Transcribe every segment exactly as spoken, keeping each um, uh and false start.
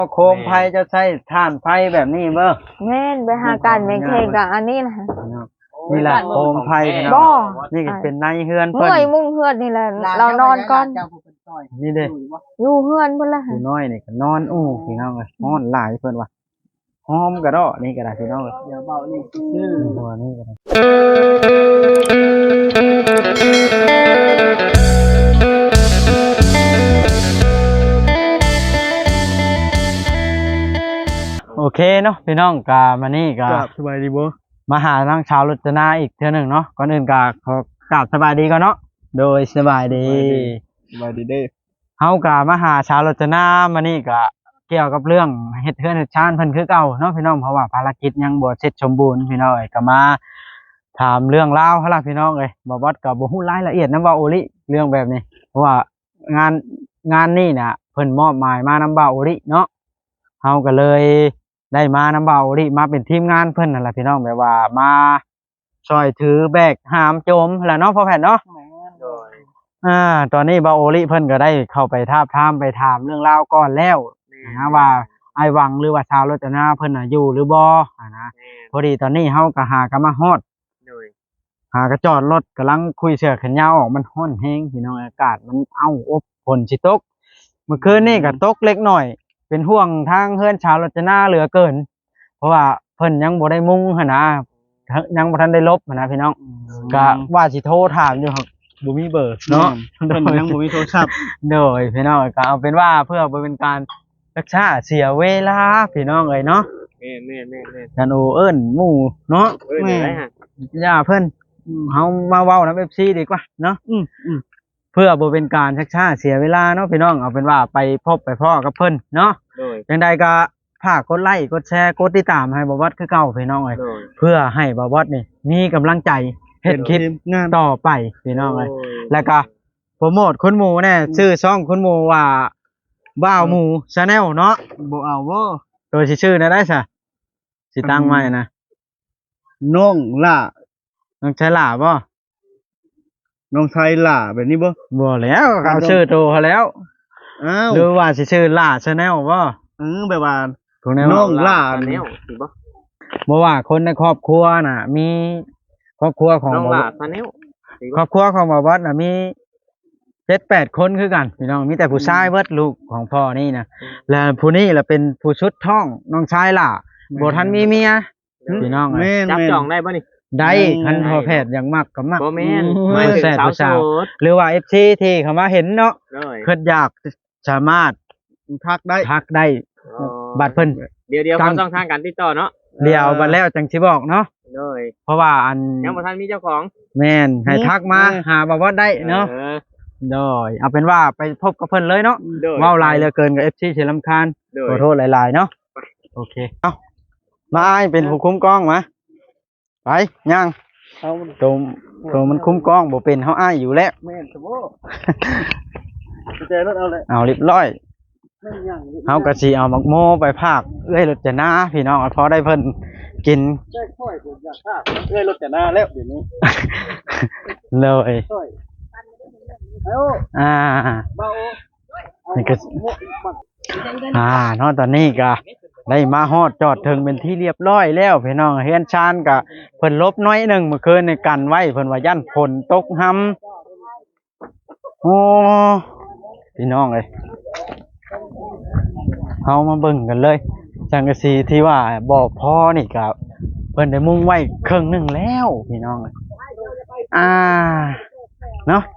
โคมไฟจะใช้ถ่านไฟแบบนี้เบ้อแม่นไปหาการแม่งเคกับอันนี้นะนี่แหละโคมไฟบ่นี่ก็เป็นในเฮือนเพิ่นเมื่อยมุ่งเฮือนนี่แหละเรานอนก่อนนี่เด้อยู่เฮือนเพิ่นละผู้น้อยนี่ก็นอนอู้พี่น้องเอ้ยนอนหลายเพิ่นว่าหอมกระดอนี่ก็ได้พี่น้องเอ้ยเดี๋ยวเบานี่ชื่อตัวนี้ก็ได้โอเคเนาะพี่น้องกามานี่กาสบายดีบ่มาหาทางชาวรจนาอีกเทื่อหนึ่งเนาะก่อนอื่นกาขอกราบสบายดีก่อนเนาะโดยสบายดีสบายดีเด้เฮากามาหาชาวรจนามานี่กะเกี่ยวกับเรื่องเฮ็ดเฮือนเฮ็ดชานเพิ่นคือเก่าเนาะพี่น้องเพราะว่าภารกิจยังบ่เสร็จสมบูรณ์พี่น้องเอ้ยก็มาถามเรื่องราวเฮาล่ะพี่น้องเอ้ยบ่ว่าก็บ่ฮู้รายละเอียดนำว่าโอลิเรื่องแบบนี้เพราะว่างานงานนี้น่ะเพิ่นมอบหมายมานำบ่าวโอลิเนาะเฮาก็เลยได้มานำบ่าวโอลิมาเป็นทีมงานเพิ่นนั่นแหละพี่น้องแบบว่ามาช่วยถือแบกหามโจมแหละเนาะพ่อแพทย์เนาะอ่าตอนนี้บ่าวโอลิเพิ่นก็ได้เข้าไปทาบทามไปถามเรื่องราวก่อนแล้วนะว่าไอ้หวังหรือว่าชาวรจนาเพิ่นน่ะอยู่หรือบ่อ่านะพอดีตอนนี้เฮาก็หากันมาฮอดหากระจอดรถกำลังคุยเสื้อแขนยาวออกมันร้อนแฮงพี่น้องอากาศมันเอ้าอบฝนสิตกเมื่อคืนนี้ก็ตกเล็กน้อยเป็นห่วงทางเฮือนชาวรจนาเหลือเกินเพราะว่าเพิ่นยังบ่ได้มุงหั่นนะยังบ่ทันได้ลบหั่นนะพี่น้องก็ว่าสิโทรถามอยู่ครับบ่มีเบอร์เนาะเพิ่นยังบ่มีโทรศัพท์โดยพี่น้องก็เอาเป็นว่าเพื่อบ่เป็นการรักษาเสียเวลาพี่น้องเอ้ยเนาะแม่นๆๆๆท่านโอเอิ้นหมู่เนาะเอิ้นได้ฮะย่าเพิ่นเฮามาเว้านำ เอฟ ซี ดีกว่าเนาะอืมๆเพื่อบ่เป็นการชักช้าเสียเวลาเนาะพี่น้องเอาเป็นว่าไปพบไปพ้อกับเพิ่นเนาะจังใดก็ฝากกดไลค์กดแชร์กดติดตามให้บ่าววัดคือเก่าพี่น้องเอ้ยเพื่อให้บ่าววัดนี่มีกำลังใจเฮ็ดคลิปงานต่อไปพี่น้องเอ้ยแล้วก็โปรโมทคุณหมูแน่ชื่อช่องคุณหมูว่าบ่าวหมู Channel เนาะบ่เอาบ่โดยสิชื่อได้ซะสิตั้งไว้นะน้องล่าน้องชายล่าบ่น้องชายล่าแบบนี้บ่บ่แล้วเอาชื่อโตเขาแล้วอ้าวหรือว่าสิชื่อล่า Channel บ่อือแบบว่าน้องล่า Channel สิบ่บ่ว่าคนในครอบครัวน่ะมีครอบครัวของน้องล่า Channel ครอบครัวของบ่าววัดน่ะมี เจ็ดแปด คนคือกันพี่น้องมีแต่ผู้ชายเบิดลูกของพ่อนี่นะแล้วผู้นี้ล่ะเป็นผู้ชุดท้องน้องชายล่ะบ่ทันมีเมียพี่น้องจับจองได้บ่นี่ได้คันพ่อแพทย์อย่างมักก็มักบ่แม่นไม่แซ่บสาวหรือว่า เอฟ ซี ที่เขามาเห็นเนาะเพิ่นอยากสามารถทักได้ทักได้บัดเพิ่นเดี๋ยวๆเขาต้องทางการติดต่อเนาะเดี๋ยวบัดแล้วจังสิบอกเนาะเลยเพราะว่าอันยังบ่ทันมีเจ้าของแม่นให้ทักมาหาบ่ว่าได้เนาะโดยเอาเป็นว่าไปพบกับเพิ่นเลยเนาะว้าวลายเหลือเกินกับ เอฟ ซี เฉลิมคานขอโทษหลายๆเนาะโอเคเอ้ามาอ้ายเป็นผู้คุ้มกล้องมาไปย่างตัวตัวมันคุ้มกล้องบ่เป็นเฮาอ้ายอยู่แล้วแม่นซะบ่ใจรถเอาเลยเอาเรียบร้อยเฮาก็สิเอาหมักโมไปภาคเอ้ยรถจะนาพี่น้องพอได้เพิ่นกินใช่ค่อยผมอยากภาคเอ้ยรถจะนาแล้วเดี๋ยวนี้เลยอ่านี่ก็อ่าเนาะตอนนี้ก็ได้มาฮอดจอดถึงเป็นที่เรียบร้อยแล้วพี่น้องเฮียนชานก็เพิ่นลบน้อยหนึ่งเมื่อคืนในกันไว้เพิ่นว่ายันฝนตกหำโอ้พี่น้องเอ้ยเฮามาเบิ่งกันเลยสังกะสีที่ว่าบ่พอนี่ก็เพิ่นได้มุ่งไว้ครึ่งนึงแล้วพี่น้องอ่าเนาะ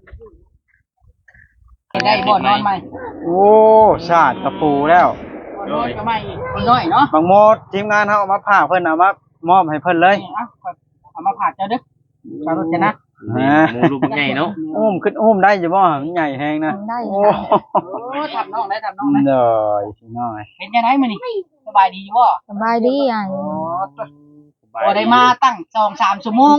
ได้บ่นอนใหม่โอ้ชาติกระปูแล้วนอนก็ไม่คนน้อยเนาะบางโมดทีมงานเฮาเอามาผ่าเพิ่นเอามามอบให้เพิ่นเลยเอามาผ่าเจ้าเด้อชาวรจนะฮะหมูลูกใหญ่เนาะอุ้มขึ้นอุ้มได้อยู่บ่มันใหญ่แฮงนะได้โอ้ทำน้องได้ทำน้องได้เด้อพี่น้อยเป็นจังได๋มื้อนี้สบายดีอยู่บ่สบายดีอ่ะบ่ได้มาตั้ง สองสาม ชั่วโมง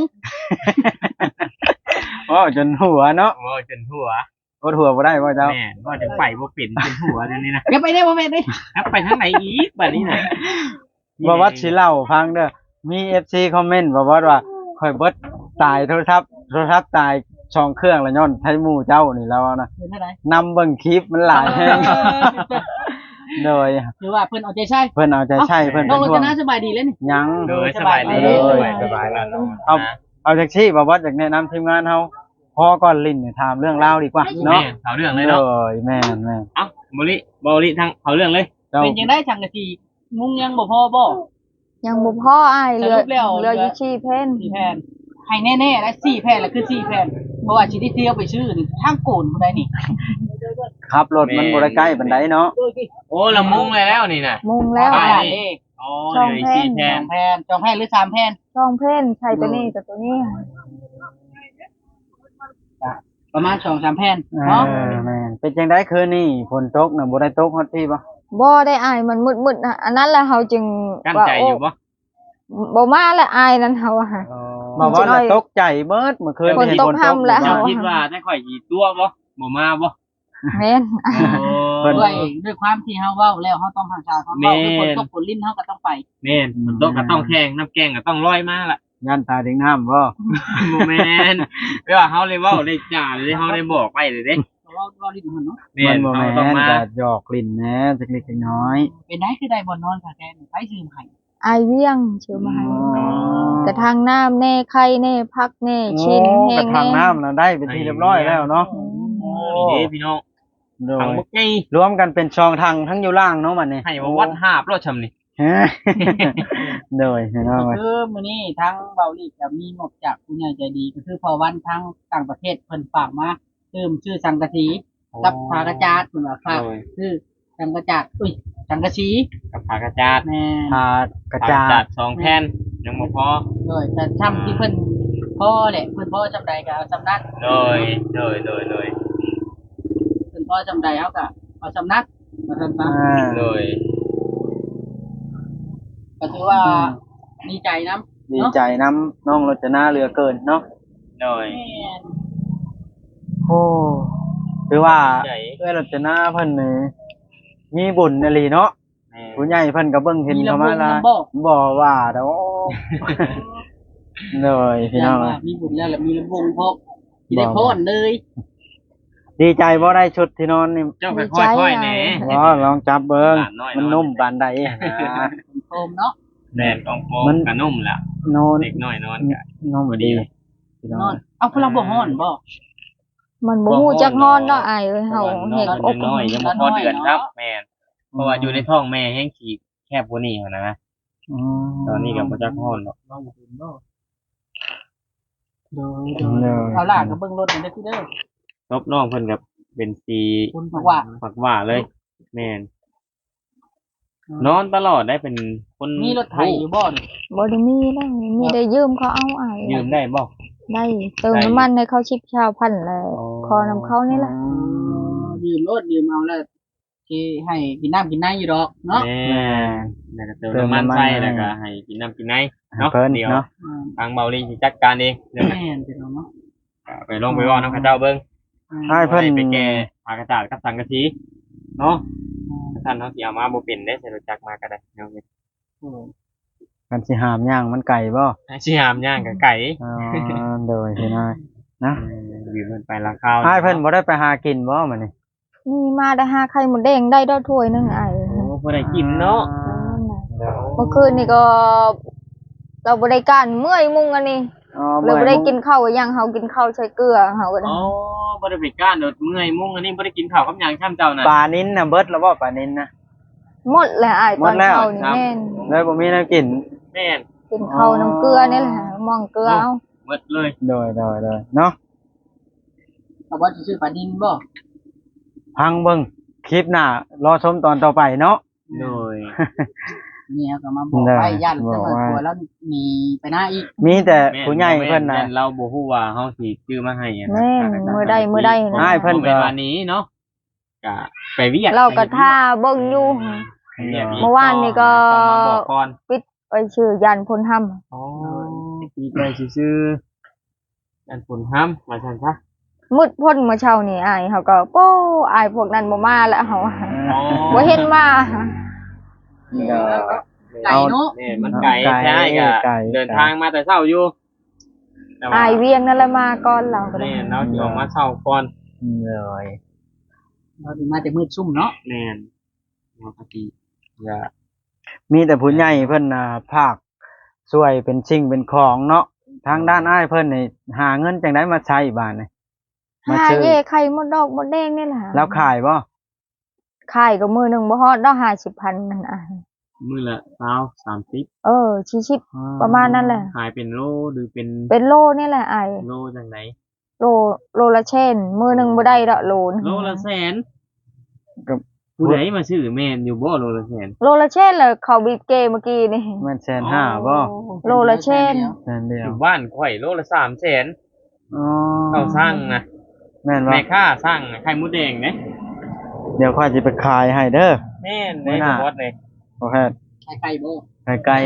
โอ้จนหัวเนาะโอ้จนหัวรถหัวบ่ได้บ่เจ้าแม่นบ่จังไปบ่เป็นเป็นหัวเดี๋ยวนี้นะอย่าไปได้บ่แม่นเด้ครับไปทางไหนอีกบัดนี้น่ะบ่ว่าสิเล่าฟังเด้อมี เอฟ ซี คอมเมนต์บ่ว่าว่าค่อยเบิดตายโทรศัพท์โทรศัพท์ตายช่องเครื่องละย้อนไทหมู่เจ้านี่แล้วนะนำเบิ่งคลิปมันหลายแฮงโดยคือว่าเพิ่นเอาใจใช่เพิ่นเอาใจใช่เพิ่นน้องเป็นรห่วจงนาสบายดีแล้วนี่ยังโดยสบายดีโดยสบายแล้วเนาะเอาเอาจากที่บ่ว่าจากแนะนำทีมงานเฮาพอก่อนลิ้นเนี่ยถามเรื่องราวดีกว่าเนาะเนาะเขาเรื่องเลยโดเนาะยแม่นแม่นเอ้าบริบริทางเขาเรื่องเลยเจ้าเป็นจังได้จังกะทีมุงยังบ่พอบ่ยังบ่พออ้ายเหลือสรุปแล้วเหลืออยู่สี่เพ่นสี่แผ่นให้แน่ๆและสี่แผ่นแล้วคือสี่แผ่นเพราะว่าสิได้เที่ยวไปชื่อนี่ทางโกนบ่ได้นี่ขับรถมันบ่ได้ใกล้ปานใดเนาะโอ้ละมุงเลยแล้วนี่น่ะมุงแล้วไปอ้ายนี่อ๋อช่องเดี๋ยวอีกแพร่สี่แทสอน งแผ่นสองแผ่นหรือสามแผ่นช่องเพ่นใช่ตัวนี้กับตัวนี้ประมาณสองสามแผ่นเอเนาะอแม่นเป็นจังได๋คืนนี้ฝนตกน่ะบ่ได้ตกฮอดพี่บ่บ่ได้อ้ายมันมืดๆนะอันนั้นแหละเฮาจึงกั้นว่าใจโอ้อยู่บ่บ่มาแล้วอ้ายนั้นเฮาอะมาว่าน่ะตกใจเบิดเมื่อคืนฝนตกห้ำแล้วเจ้าคิดว่าได้ข่อยกี่ตัวบ่บ่มาบ่แม่นเพิ่นด้วยด้วยความที่เฮาเว้าแล้วเฮาต้องหาชาเขาเว้าด้วยคนตกคนลิ้นเฮาก็ต้องไปแม่นฝนตกก็ต้องแข่งน้ำแกงก็ต้องลอยมาล่ะยันตาถึงน้ำบ่บ่แม่นเวลาเฮาเลยเว้าได้จ่าเลยเฮาได้บอกไปเลยเด้เว้าเว้าลิ้นมันเนาะแม่มันนบ่เฮาแม่ต้องนมาก็หยอกลิ้นแหน่จักเล็กจักน้อยเป็นได้คือได้บ่นอนค่ะแกนี่ไปซื้อให้อายเวียงชื่อมาให้อ๋อกระทางน้ำแน่ไข่แน่พักแน่ชิ้นโอ้แห้กระงทางแน่น้ำน่ะได้เป็นที่เรียบร้อยแล้วเนาะโอ้นี่เด้พี่น้องโดทางยบ่ไงรวมกันเป็นช่องทางทั้งอยู่ล่างเนาะมันนี่ให้ว่าวัดหาบรถชำนี่ฮะ โดยเห็นก็ว่าคือมื้อนี้ทั้งเบาลีจะมีงบจากผู้ใหญ่ใจดีก็คือพอวันทั้งต่างประเทศเพิ่นฝากมาเติมชื่อสังกะสีกับผากระจาดเพิ่นว่าฝากโอ้ยคือสังกะจาดอุ้ยสังกะสีกับผากระจาดแม่พากระผากจาระจาดดสองแผ่นยังบ่พอโดยแต่ช่ำที่เพิ่นพ่อแหละเพิ่นพ่อจำใดก็เอาจำนั้นโดยโดยโดยโดยเพิ่นพ่อจำใดเอาก็เอาจำนักมาซั่นซะอ่าโดยก็ถือว่าดีใจนํดีใจน้ำน้องรจนาเหลือเกินเนาะโดยแม่นโอ้คือว่าใจเอ้ยรจนาเพิ่นนี่มีบุญอหลีเนาะแม่ผู้ใหญ่เพิ่นก็เบิ่งเห็นเข้ามาละบ่บ่ว่าดอกโดยพี่น้องว่ามีบุญแล้วแล้วมีลำวงพกสิได้พรเลยดีใจบ่ได้ชุดที่นอนนี่เจ้าค่อยๆค่อยๆแหน่บ่ลองจับเบิ่งหลานน้อยมันนุ่มปานใดนะโคมเนาะแดดต้องโฟมมันกระนุ่มล่ะนอนเด็กน้อยนอนกะนุ่มดีพี่นน้ออง นเอาพลังบ่ฮ้อนบ่มันบ่ฮู้จักฮอนเนาะอายเอ้ยเฮาเฮ็ดนอนอยับงน้อยยังบ่พอเดือนครับแม่นเพราะว่าอยู่ในท้องแม่แห้งขี้แคบกว่านี้หั่นนะอืมตอนนี้ก็บ่จักฮ้อนหรอกบ่บ่เป็นบ่โดยเออเอาล่ะก็เบิ่งรถนี่เด้อพี่เด้อรบน้องเพิ่นกับเป็นสีคุณบอกว่าฝักหว่าเลย แม่นนอนตลอดได้เป็นคนมีรถไถอยู่บ่นี่บ่ได้มีแล้วมีได้ยืมเขาเอาอายยืมได้บ่ได้เติมน้ำมันให้เขาชิบชาวพันแล้วขอนำเขานี่แหละยืมรถยืมเอาแล้วสิให้กินน้ำกินน้ำอยู่ดอกเนาะแม่แล้วก็เติมน้ำมันใส่แล้วก็ให้กินน้ำกินไหนเนาะเพิ่นเดี๋ยวเนาะอืมทางเบาลีสิจัดการเองเดี๋ยวแม่นพี่น้องเนาะไปลงไปว่าน้องข้าเจ้าเบิ่งให้เพิ่นไปแก่ผากระจาดกับสังกะสีเนาะท่านเฮาสิเอามาบ่เป็นได้ใส่รถจักรมาก็ได้เนาะโอ้กันสิหามย่างมันไก่บ่ให้สิหามย่างกับไก่อ๋อโดยพี่น้อยนะยืมเพิ่นไปราคาให้เพิ่นบ่ได้ไปหากินบ่มื้อนี้นี่มาได้หาไข่หมดแดงได้ดอกถ้วยหนึงอายโอ้บ่ได้กินเนาะเมื่อคืนนี่ก็ เราบ่ได้การเมื่อยมุงอันนี้อ๋อเราบ่ได้กินข้าวอย่างเฮากินข้าวใช้เกลือเฮาก็ได้อ๋อบ่ได้ไปก้านโดดเมื่อยมุ่งอันนี้บ่ได้กินข้าวกับหยังข้ามเจ้าน่ะปลานิ้นน่ะเบิดแล้วบ่ปลานิ้นนะหมดแล้วอายหมตอดนแล้วเช้านี่ครับแม่นเลยบ่มีแนวกินแม่นกินข้าวน้ำเกลือนี่แหละมองเกลือเอาหมดเลยโดยโดยโดยเนาะเอาว่าสิซื้อปลาดินบ่พังเบิ่งคลิปหน้ารอชมตอนต่อไปเนาะโดยเนี่ยก็มาบอกไว้ยันจังหวัดกลัวแล้วหนีไปหน้าอีกมีแต่ผู้ใหญ่เพิ่นน่ะแม่เราบ่ฮู้ว่าเฮาสิซื้อมาให้อะนะแม่นมื้อใดมื้อใดอ้ายเพิ่นบ่แม่นวันนี้เนาะก็ไปเวียดเราก็ท่าเบิ่งอยู่ไปวียดเมื่อวานนี่ก็ต้องมาบอกก่อนปิดไปชื่อยันพลธรรมอ๋อดีใจซื่อๆอันผลห้ำว่าซั่นซะมืดพ้นเมื่อเช้านี่อายเขาก็โป้อายพวกนั้นบ่มาแล้วเฮาอ๋อบ่เห็นมาเดี๋ยวไก่เนาะนี่มันไกลไกลใช่ก็ไกลเดินทางมาแต่เช้าอยู่แต่ว่าอายเวียงนั่นแหละมาก่อนเราก็ได้แม่นเราสิออกมาเช้าก่อนเลยเราถึงมาแต่มืดซุ่มเนาะแม่นปกติอย่ามีแต่ผู้ใหญ่เพิ่นน่ะภาคช่วยเป็นสิ่งเป็นของเนาะทางด้านอ้ายเพิ่นนี่หาเงินจังได๋มาใช้บาดนี่มาหาซื้อเย่ไข่มดดอกมดแดงนี่แหละแล้วขายบ่ขายก็มือหนึงบ่ฮอดดอกห้าสิบพันนั่นอ่ะมื้อละเช้าสามสิบเออชิดๆประมาณนั้นแหละขายเป็นโลหรือเป็นเป็นโลนี่แหละไอ้โลจังไหนโลโลละเช่นมือหนึงบ่ได้ดอกโลนึงโลละแสนกับผู้ใดมาซื้อแม่นอยู่บ่โลละแสนโลละเช่นเลยเขาบีบเกเมื่อกี้นี่มันแสนห้าบ่โลละเช่นแสนเดีอยวยู่บ้านข่อยโลละสามแสนอ๋อเขาสร้างนะแม่นบ่แม่ค้าสร้างไข่มดแดงเด้เดี๋ยวข้อยสิไปขายให้เด้อแม่นมื้ในอหน้าบอสเลยโอเคไข่ไก่บ่ไก่ไก่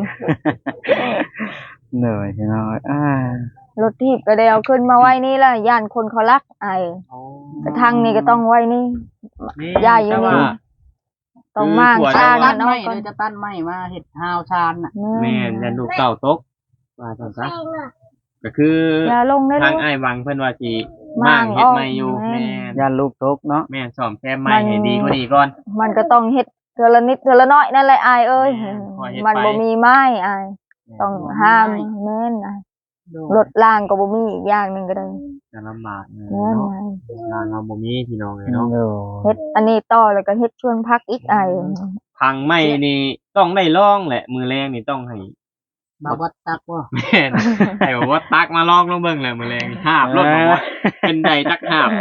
เหนื่อยพี่น้อยอ่ารถทีบก็ได้เอาขึ้นมาไว้นี่ล่ะย่านคนเขารักไอ้กระทั่งนี่ก็ต้องไว้นี่นี่ยายอยู่แต่นี่ว่าต้องมางคือสร้างตักัดนไม้เนาะก่อนเลยจะตัดไม้มาเฮ็ดฮาวชานน่ะแม่นยันลูกเต่าตกว่าจังซะก็คืออย่าลงได้ทางลูกอ้ายวังเพิ่นว่าสิมั่มั่างงเฮ็ดใหม่อยู่อ้อมแม่นย่านลูกตกเนาะแม่นซ่อมแซมใหม่ให้ดีกว่านี้ก่อนมันก็ต้องเฮ็ดเทื่อละนิดเทื่อละน้อยนั่นแหละอายเอ้ยแม่นพอเฮ็ดมันไปบ่มีไม้อายต้องห้ามแม่นอายรถล่างก็บ่มีอีกอย่างหนึงก็ได้จะลำบากเนแม่นาะอายงานเราบ่มีพี่น้องเลยเนาะโอ้เฮ็ดอันนี้ต่อแล้วก็เฮ็ดชวนพักอีกอายพังไม่นี่ต้องได้ลองแหละ มือแรงนี่ต้องให้บาวัดตักบ่แม่นให้บอกว่าตักมาลองลงเบิ่งแหละมือแรงนี่หาบรถบอกว่าเป็นใดตักหาบ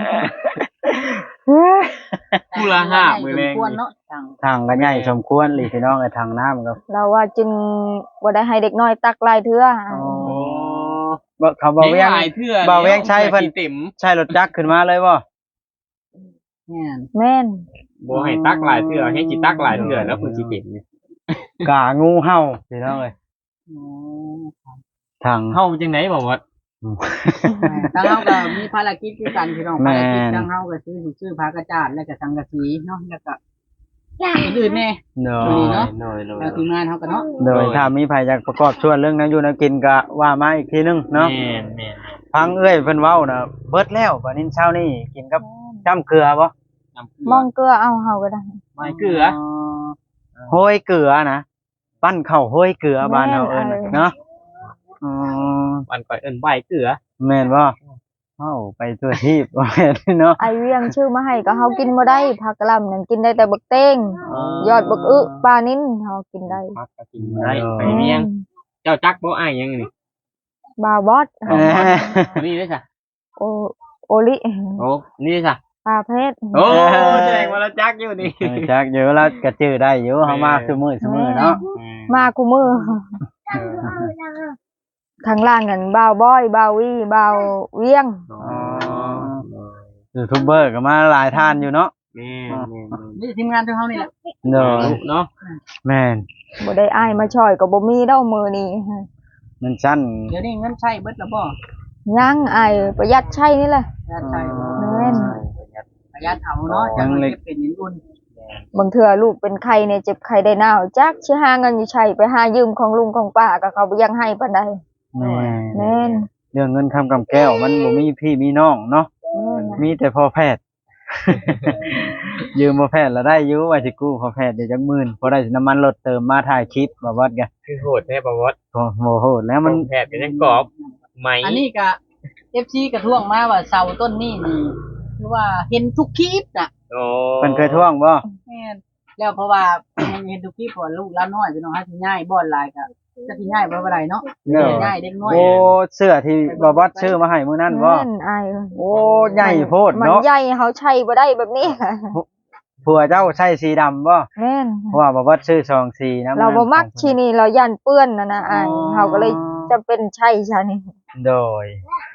ผู้ละหาบมือแรงควรนี่เนาะจังทางก็ใหญ่สมควรเลยพี่น้องไอ้ทางน้ำก็เราว่าจึงบ่ได้ให้เด็กน้อยตักหลายเทื่ออายอ๋อโอ้บ่เขาบ่เลี้เวียยงงหลายเทื่อบ่าวเวียงชัยเพิ่นลี้งเต็มใช่รถจักรขึ้นมาเลยบ่แม่นแม่นบ่ให้ตักหลายเทื่อให้สิตักหลายเทื่อแล้วเพิ่นสิเต็มนี่กางูเห่าพี่น้องเอ้ยอ๋อทางเฮาจังได๋บ่ว่าทางเฮาก็มีภารกิจคือกันพี่น้องแม่ภารกิจทางเฮาก็ซื้อซื้อผ้ากระจาดแล้วก็สังกะสีเนาะแล้วก็อื่นๆแน่เนดียเนาะน้อยทางทีมงานเฮาก็เนาะโดยถ้ามีภัยอยากประกอบส่วนเรื่องนั้นอยู่นะกินก็ว่ามาอีกทีนึงเนาะเนาะแม่นแม่นฟังเอ้ยเพิ่นเว้าน่ะเบิดแล้วบัดนี้เช้านี้กินกับจ้ำเกลือบ่น้ำเกลืมองเกลือเอาเฮาก็ได้ไม่เกลือโห้ยเกลือนะปั้นข้าวโห้ยเกลือบ้านเฮาเอิ้นน่ะเนาะอ๋อมันก่อยเอิ้นใบเกลือแม่นบ่เอ้าไปตัวทีบว่าแม่นเนาะไอเวียงชื่อมาให้ก็เฮากินบ่ได้ผักกะหล่ำนั่นกินได้แต่บักเต้งยอดบักอึปลานิ้นเฮากินได้พักก็กินบ่ได้ไปเมียงเจ้าจักบ่อ้ายยังนี่บาวบอสเอ้ยนี่ได้จ้ะโอโอลิโอ้นี่ได้จ้ะปลาเพชรโอ้แสดงว่าเราจักอยู่นี่เออจักอยู่แล้วก็จื้อได้อยู่เฮามาซุมื้อซุมื้อเนาะมาคูมือทางล่างกันบาวบอยบาววีบาวเวียงอ๋อยูทูบเบอร์ก็มาหลายท่านอยู่เนาะแม่แม่นี่ทีมงานของเฮานี่แหละเนาะเนาะแม่นบ่ได้อ้ายมาช่อยก็บ่มีดอกมือนี้มันสั้นเดี๋ยวนี้เงินใช้เบิดแล้วบ่ยังอ้ายประหยัดใช้นี่แหละประหยัดใช้แม่นประหยัดเอาเนาะจังเลยเป็นนินอุ่นบางเทื่อลูกเป็นไข้เนี่ยเจ็บไข้ได้หนาวจักสิหาเงินอยู่ใช้ไปหายืมของลุงของป้าก็เขาบ่ยังให้ปานใดแม่แม่นเรื่องเงินคำกำแก้วมันบ่มีพี่มีน้องเนาะแม่นนะมีแต่พ่อแพทย์ ยืมพ่อแพทย์แล้วได้อยู่ว่าสิกู้พ่อแพทย์เดี๋ยวจักหมื่นพอได้น้ำมันรถเติมมาถ่ายคลิปบ่วัดกันคือโหดแท้บ่วัดโอ้โหแล้วมันแพทย์ก็ยังกรอบไหมอันนี้ก็ เอฟ ซี กระท่วงมาว่าเสาต้นนี้นี่คือว่าเห็นทุกคลิปน่ะโอ้เพิ่นเคยท่วงบ่แม่นแล้วเพราะว่า เห็นทุกคลิปเพราะว่าลูกหลานน้อยพี่น้องหาสิง่ายบ่อนหลายก็จะสิง่ายบ่ว่าใดเนาะเด้อง่ายเด็กน้อยโอ้เสื้อที่บ่วัดซื้อมาให้มื้อนั้นบ่แม่นอ้ายโอ้ใหญ่โพดมันเนาะใหญ่เขาใช้บ่ได้แบบนี้ผัวเจ้าใช้สีดำบ่แม่นเพราะว่าบ่วัดซื้อสองสีนะเราบ่มักชีนี่เราย่านเปื้อนน่ะนะอ้ายเขาก็เลยจะเป็นใช้ชานี่โดย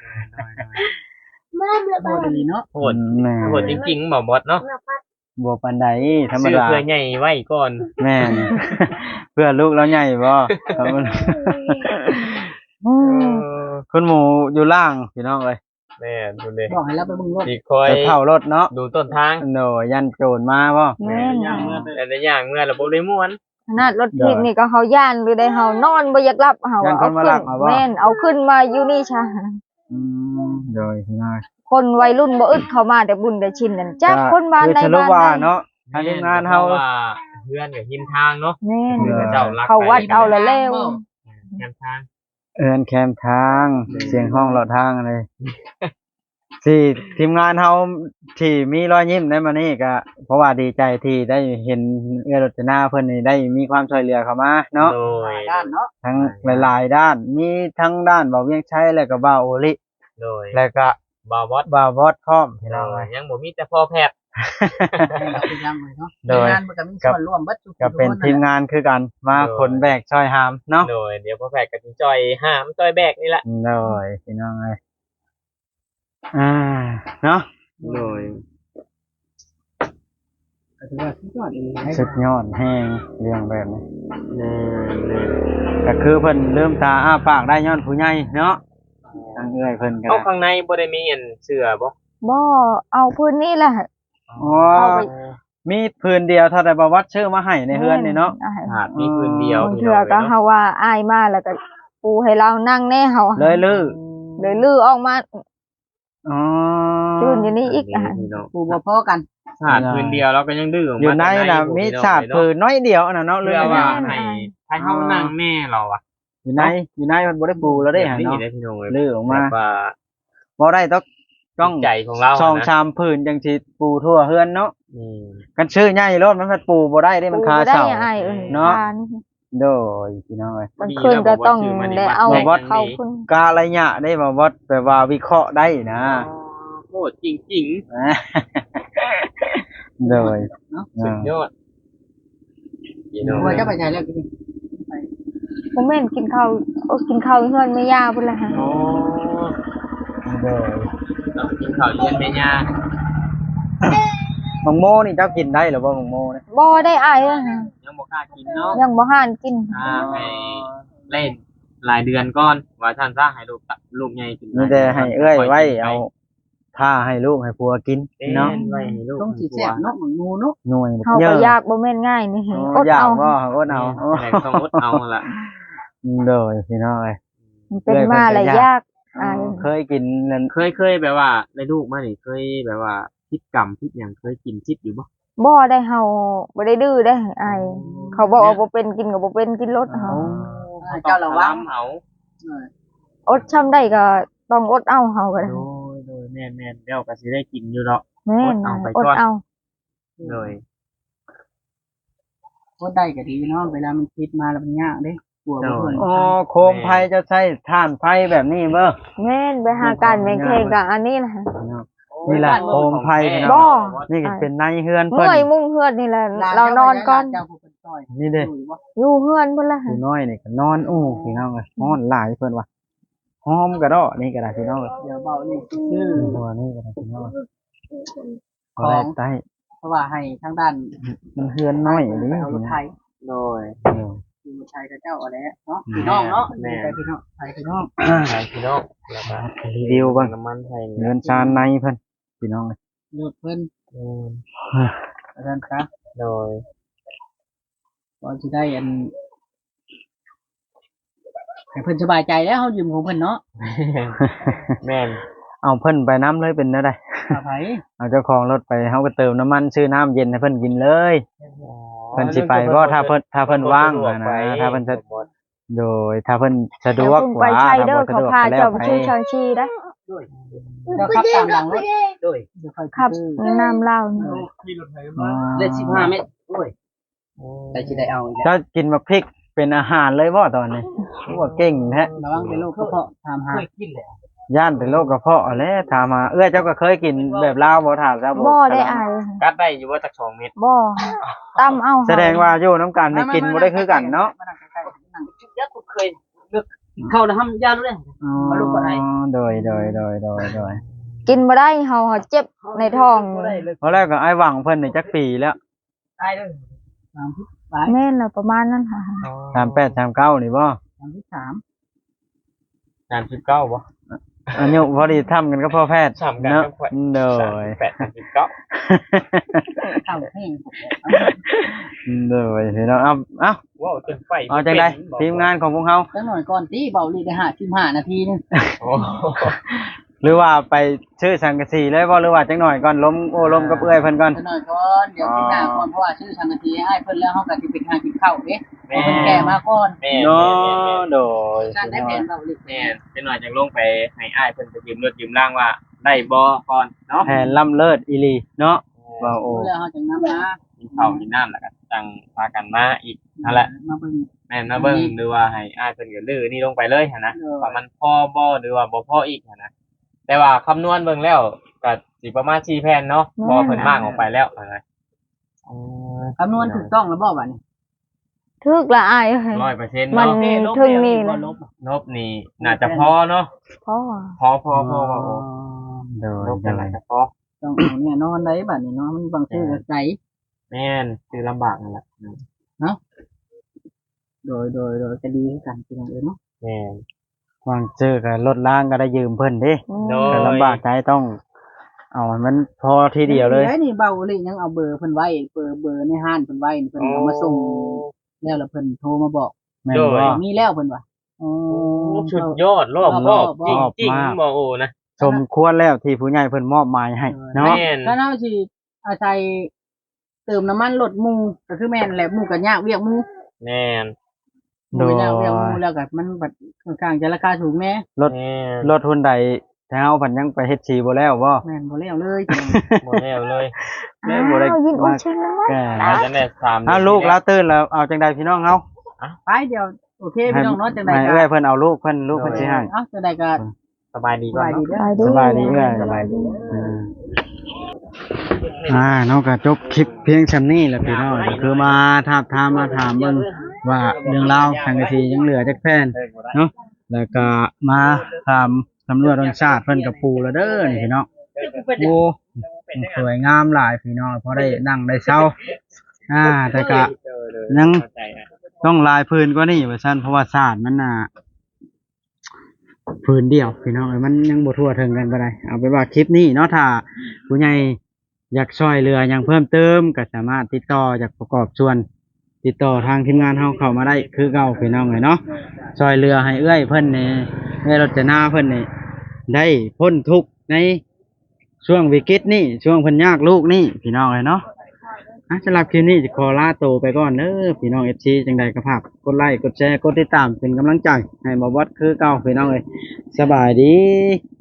บ่ดีเนาะโหดแม่โหดจริงๆบ่วัดเนาะบ่ปานใดธรรมซื้อดาเพื่อใหญ่ไว้ก่อนแม่น เพื่อลูกเราใหญ่บ่ครับมันอืมคุณหมูอยู่ล่างพี่น้องเอ้ยแม่ดูเลยบอกให้เราไปเบิ่งรถอีกคอยไปเผารถเนาะดูต้นทางโดยยันโจรมาบ่แม่นย่างเมื่อแต่ละอย่างเมื่อระบบได้ม่วนขนาดรถทิพย์นี่ก็เฮาย่านหรือได้เฮานอนบ่อยากหลับเฮายันคเอานมาขึ้ลันกเอาบ่แม่นเอาขึ้นมาอยู่นี่ชาอืมโดยพี่น้องคนวัยรุ่นบ่อึดเข้ามาแต่บุญแต่ชินนั่นจักคนบ้านคือใดสรุปบ้านว่าใดเนาะทางทีมงานเฮาพระว่าเพื่อนกับทีมทางเนาะแม่นคือเจ้ารักเขาวัดเอาละแล้วแคมทางเอินแคมทางเสียงห้องเลาะทางอะไรที่ทีมงานเฮาที่มีรอยยิ้มได้มานี่ก็เพราะว่าดีใจที่ได้เห็นเอื้อรจนาเพิ่นนี่ได้มีความช่วยเหลือเข้ามาเนาะโดยด้านเนาะทั้งหลายๆด้านมีทั้งด้านเบาเวียงชัยแล้วก็บ่าวโอลิโดยแล้วก็บาวอดบ่าวบอสพร้อมพี่โดน้องเอ้ยยยังบ่มีแต่พ่อแพทย์เราเป็นยังเลยเนาะโดยงานมันก็มีส่วนร่วมเบัดทุกก็เป็นทีมงานคือกันมาขนแบกช่อยหามเนาะโดยเดี๋ยวพ่อแพทย์ก็สิจอยห้ามจอยแบกนี่แหละโดยพี่น้องเอ้ยอ่าเนาะโดยก็ถือว่าสุดยอดอีหลีสุดยอดแห้งเรื่องแบบนี้แม่นก็คือเพิ่นลืมตาอ้าปากได้ย้อนผู้ใหญ่เนาะทางเอื้อยเพิ่นก็เอาข้างในบ่ได้มีอันเสื้อบ่บ่เอาพื้นนี่แหละอ๋อมีพื้นเดียวเท่าแต่บ่วัดชื่อมาให้ในเฮือนนี่เนาะอ้ายหาดมีพื้นเดียวบางเทื่อก็เฮาว่าอายมาแล้วก็ปูให้เรานั่งแน่เฮาเลยลือเลยลื้อออกมาอ๋อยืนอยู่นี่อีกอ่ะปูบ่พอกันหาดพื้นเดียวแล้วก็ยังดื้อออกมาอยู่ในน่ะมีชาดพื้นน้อยเดียวน่ะเนาะลืเพื่ออว่าให้ให้เฮานั่งแม่เราอ่ะอยู่ในอยู่ในมันบ่ได้ปูแล้วเด้ฮะนี่เนาะได้พี่น้องเอ้ยลือออกมาแบบว่าบ่ได้ต้องต้องใจของเราช่องนะชามพื้นจังสิปูทั่วเฮือนเนาะอืมกันชื่อใหญ่รถมันพัดปูบ่ได้เด้มันคาปูได้เสาอายเอ้ยเนาะคนี่โดยพี่น้องเอ้ยมันขึ้นก็ต้องได้เอาบ่วัดเข้าขึ้นการะยะได้บ่วัดแปลว่าวิเคราะห์ได้นะโหดจริงโดยๆสุดยอดพี่น้องปูเอ้ยจะไปใช้แล้วกินบ่แม่นกินข้าวโอ้กินข้าวเฮือนแม่ย่าพุ่นล่ะฮะโอ้โดยเรากินข้าวเย็นแม่ย่ามังโมนี่เจ้ากินได้หรือบ่มังโมเนี่ยบ่ได้อายเอ้ยฮะยังบ่กล้ากินเนาะยังบ่ห่านกินอ่าให้เล่นหลายเดือนก่อนว่าท่านซะให้ลูกตะลูกใหญ่ขึ้นมีแต่ให้เอื้อยไว้เอาท่าให้ลูกให้ผัวกินเนาะเนาะไว้ให้ลูกต้องสิแซ่บเนาะเหมือนงูเนาะหน่วยเฮาเยก็อะยากบ่แม่นง่ายนี่โอ้อดอยากเอาบ่อดเอาแต่ต้องอดเอาล่ะโดยพี่น้องเอ้ยมันเป็นมาหลายยากอายเคยกินนั่นเคยเคยแบบว่าในลูกมานี่เคยแบบว่าพิษกรรมพิษหยังเคยกินพิษอยู่บ่บ่ได้เฮาบ่ได้ดื้อได้อายเขาบอกว่าบ่เป็นกินก็บ่เป็นกินรสเฮาเจ้าระวังเอาอดช้ำได้ก็ต้องอดเอาเฮาก็ได้โดยโดยแม่นแม่นเดี๋ยวก็สิได้กินอยู่เนาะแม่นอดเอาไปอก่ดอนเอาโดยโคตรได้ก็ดีเนาะเวลามันคิดมาแล้วมันยากเด้กลัวบ่เพิ่นอ๋อโคมไฟจะใช้ถ่านไฟแบบนี้เบ้อแม่นไปหาการแม่งแข่งกับอันนี้ล่ะนี่แหละโคมไฟพี่บ่น้องนี่ก็เป็นในเฮือนเพิ่นเมื่อยมุ่งเฮือนนี่แหละเรานอนก่อนเจ้าผู้เป็นต้อยนี่เด้อยู่บ่อยู่เฮือนพุ่นล่ะผู้น้อยนี่ก็นอนอู้พี่น้องเอ้ยนอนหลายเพิ่นว่าหอมกระดอนี่ก็ได้พี่น้องเอ้ยเดี๋ยวเบานี่ชื่อตัวนี้ก็ได้พี่น้องเอ้ยขก็องได้ใต้เพราะว่าให้ทางด้านมันเฮือนน้อยนี่เอารถไทยโดยอยู่รถไทยกับเจ้าเอาแล้วเนาะพี่น้องเนาะแม่ไปพี่น้องไทยพี่น้องใส่พี่น้องแล้วก็รีวิวเบ้างน้ำมันไทยเงินชานในเพิ่นพี่น้องเอ้ยเลือกเพิ่นอืมอาจารย์ครับโดยก่อนสิได้อันให้เพิ่นสบายใจแล้วเฮายืมของเพิ่นเนาะแม่นเอาเพิ่นไปน้ำเลยเป็นได้อภัยเอาเจ้าของรถไปเฮาก็เติมน้ำมันซื้อน้ำเย็นให้เพิ่นกินเลย เพิ่นสิไปบ่ถ้าเพิ่นถ้าเพิ่นว่างอะนะถ้าเพิ่นจะโดยถ้าเพิ่นสะดเดี๋ยววกคุณกไปว่าใช้ถ้าเด้อบ่สะเขาดวกพาก็แล้เจ้าว ไปไปชื่อชางชีได้เจ้าขับตามหลังรถโดยเดี๋ยวค่อยขับซื้อน้ำเหล้านี่อ๋อเลขสิบห้าเมตรโอ้ยแต่สิได้เอาอีกแล้วเจ้ากินบักพริกเป็นอาหารเลยบ่ตอนนี้ว่าเก่งแท้ระวังเป็นโรคกระเพาะถามหากินแล้วย่านเป็นโรคกระเพาะแหล้วถามมาเอื้อเจ้าก็เคยกินแบบลาวบ่ถามเจ้าบ่ได้อายกัดได้อยู่ว่าจักสองเม็ดบ่ตำเอาแสดงว่าอยู่น้ำกันนี่กินบ่ได้คือกันเนาะยักษ์เคยเลือกเข้าแล้วทำยารู้เลยอ๋อมาลูกบ่ได้โดยโดยโดยโดยโดยกินบ่ได้เฮาเจ็บในท้องเพราะแรกก็ไอ้หวังเพิ่นนี่จักปีแล้วตายเลยสามสิบสามแม่นล่ะประมาณนั้นค่ะสามแปด สามเก้านี่บ่สามสิบสามสามสิบเก้าบ่อายุพอดีทำกันก็พอแพทย์สามกันเนาะก็ค่อยโดสามยสิบแปดสามสิบเก้าเข้าแห้งโดยพี่น้องเอาเอ้าว้าวจนไฟเอาจังไดทีมงานของพวกเฮาแล้วหน่อยก่อนตีเบาลีได้ห้าสิบห้านาทีนึงโอ้หรือว่าไปชื่อสังกะสีเลยบ่หรือว่าจังหน่อยก่อนล้มโอ้ล้มกับเอื้อยเพิ่นก่อนจะหน่อยก่อนเดี๋ยวกินหน้าก่อนเพราะว่าชื่อสังกะสีให้เพิ่นแล้วเฮาก็สิไปหากินข้าวเด้เพิ่นแก่มาก่อนแม่เนาะโดยการได้แผนเบาลิแม่เป็นหน่อยจังลงไปให้อ้ายเพิ่นไปยืมรถยืมร่างว่าได้บ่ก่อนเนาะแผนล้ำเลิศอีหลีเนาะว่าโอ้แล้วเฮาจังนำมากินข้าวกินน้ำแล้วก็จังพากันมาอีกนั่นแหละมาเบิ่งแม่นมาเบิ่งหรือว่าให้อ้ายเพิ่นก็ลื้อนี่ลงไปเลยหั่นนะว่ามันพอบ่หรือว่าบ่พออีกหั่นนะแต่ว่าคำนวณเบิ่งแล้วก็สิประมาณสี่แผ่นเนาะพอเพิ่นมากออกไปแล้วอะไรอ๋อคำนวณถูกต้องแล้วบ่บัดนี้ทึกละอายเอ้ยร้อยเปอร์เซ็นต์มันเนาะถึงนี่เลยนบนี่น่าจะพอเนาะพ่อพอพอพอพอพอโดยนบกันหลายก็พอต้องเอาแน่นอนได้บัดนี้เนาะมันบางชื่อก็ไกลแม่นคือลำบากนั่นแหละโดยโดยโดยก็ดีคือกันพี่น้องเอ้ยเนาะแม่นวางเจอกับรถล้างก็ได้ยืมเพิ่นเด้โดแต่ลำบากใจต้อง เอาให้มันพอทีเดียวเลยได้นี่เบาเลยยังเอาเบอร์เพิ่นไว้เบอร์เบอร์ในห้านเพิ่นไว้นี่เพิ่นเอามาส่งแล้วแล้วเพิ่นโทรมาบอกแม่นบ่มีแล้วเพิ่นว่าอ๋อโอ้สุดยอดรอบรอบจริงจริงบ่โอ้นะสมควรแล้วที่ผู้ใหญ่เพิ่นมอบหมายให้เนาะแม่นก็น่าสิอาศัยเติมน้ำมันรถหมู่ก็คือแม่นแหละหมู่ก็ยากเวียกหมู่แม่นหมู่ยากเวียกหมู่แล้วก็มันบัดค่อนข้างจะราคาสูงแน่รถแม่นรถหุ่นใดแถวเพิ่นยังไปเฮ็ดสีบ่แล้วบ่แม่นบ่แล้วเลยหมดแล้วเลยแม่บ่ได้อ้าวยินอุ้ยชื่อแล้วแก่อาจจะได้สามอ้าวลูกแล้วตื่นแล้วเอาจังใดพี่น้องเฮาไปเดี๋ยวโอเคพี่น้องเนาะจังได๋ให้ก็เอ้อยเพิ่นเอาลูกเพิ่นลูกเพิ่นสิให้เอ้าจังได๋ก็สบายดีสก่อนบายดีเนาะเด้อสบายดีเอ้อยสบายดีเอออ่าเนาะก็จบคลิปเพียงส่ำนี้แหละพี่น้องก็คือมาถามถามมาถามเบิ่งว่าเรื่องราวทางกะทียังเหลือจักแผ่นเนาะแล้วก็มาถามตำรวจรสชาติเพิ่นกับปูแล้วเด้อนี่พี่น้องโอ้สวยงามหลายพี่น้องพอได้นั่งได้เช้าอ่าแต่ก็ยังต้องลายพื้นกว่านี้ว่าซั่นเพราะว่าศาสตร์มันน่ะพื้นเดียวพี่น้องเอ้ยมันยังบ่ทั่วถึงกันปานใดเอาไปนว่าคลิปนี้เนาะถ้าผู้ใหญ่อยากช่วยเหลือหยังเพิ่มเติมก็สามารถติดต่อจากประกอบส่วน ติดต่อทางทีมงานเฮาเข้ามาได้คือเก่าพี่น้องเลยเนาะช่วยเหลือให้เอื้อยเพิ่นนี่เอื้อยรจนาเพิ่นนี่ได้พ้นทุกข์ในช่วงวิกฤตนี้ช่วงเพิ่นยากลูกนี่พี่น้องเลยเนาะอ่ะสำหรับคลิปนี้จะขอลาโตวไปก่อนเด้อพี่น้อง เอฟ ซี จังใดก็ฝากกดไลค์กดแชร์กดติดตามเป็นกำลังใจให้บ่วัดคือเก่าพี่น้องเอ้ยสบายดี